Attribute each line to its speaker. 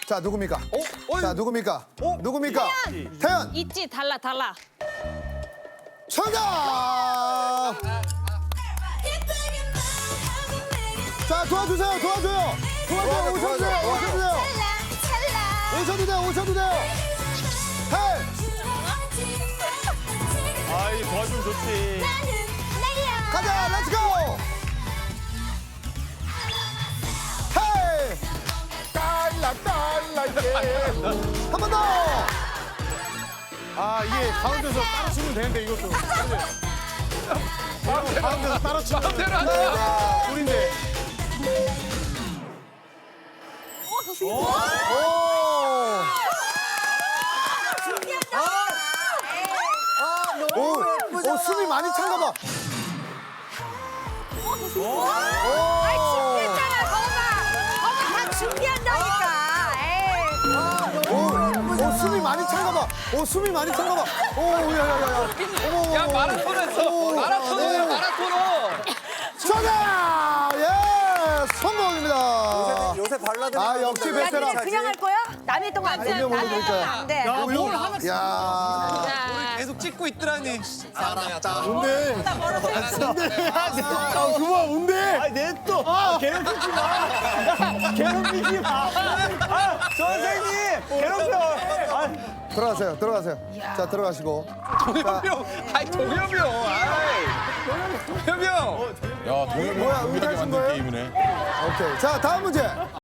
Speaker 1: 자, 누굽니까? 자, 누굽니까? 누굽니까? 태연!
Speaker 2: 있지, 달라.
Speaker 1: 정답! 자, 도와줘요. 오셔도 돼요. 헤이!
Speaker 3: 아이 도와주면 좋지.
Speaker 1: 가자, 렛츠고! 헤이! 한 번 더!
Speaker 3: 아 이게 가운데서 따라 치면 되는데 이것도. 가운데서 따라 치면
Speaker 4: 마음대로 안 돼.
Speaker 3: 우린데.
Speaker 1: 오! 오, 숨이 많이 찬가 봐.
Speaker 2: 아이, 준비했잖아, 거봐. 다 준비한다니까. 에이.
Speaker 1: 오, 숨이 많이 찬가 봐. 오, 야. 어머.
Speaker 4: 야 마라톤 했어. 마라톤이야 마라톤어.
Speaker 1: 정답! 예! 성공입니다.
Speaker 5: 요새 발라드.
Speaker 1: 아, 역시
Speaker 2: 야,
Speaker 1: 베테랑.
Speaker 2: 니네 그냥 할 거야? 남의 동안 안 돼.
Speaker 1: 분명
Speaker 2: 남의
Speaker 1: 모르니까.
Speaker 2: 동안 안 돼.
Speaker 3: 뭘 하나
Speaker 1: 야.
Speaker 2: 자,
Speaker 4: 계속 찍고 있더라니.
Speaker 3: 뭔데? 아 그만 뭔데? 아니 내 또. 괴롭히지 마. 괴롭히지 마. 아 선생님 괴롭혀.
Speaker 1: 들어가세요. 자, 들어가시고.
Speaker 4: 동엽이 아이 동엽이 형. 아이 동엽이 형.
Speaker 6: 야, 동엽이
Speaker 1: 뭐야,
Speaker 6: 형
Speaker 1: 의사신
Speaker 6: 만든
Speaker 1: 거예요?
Speaker 6: 게임이네.
Speaker 1: 오케이. 자, 다음 문제.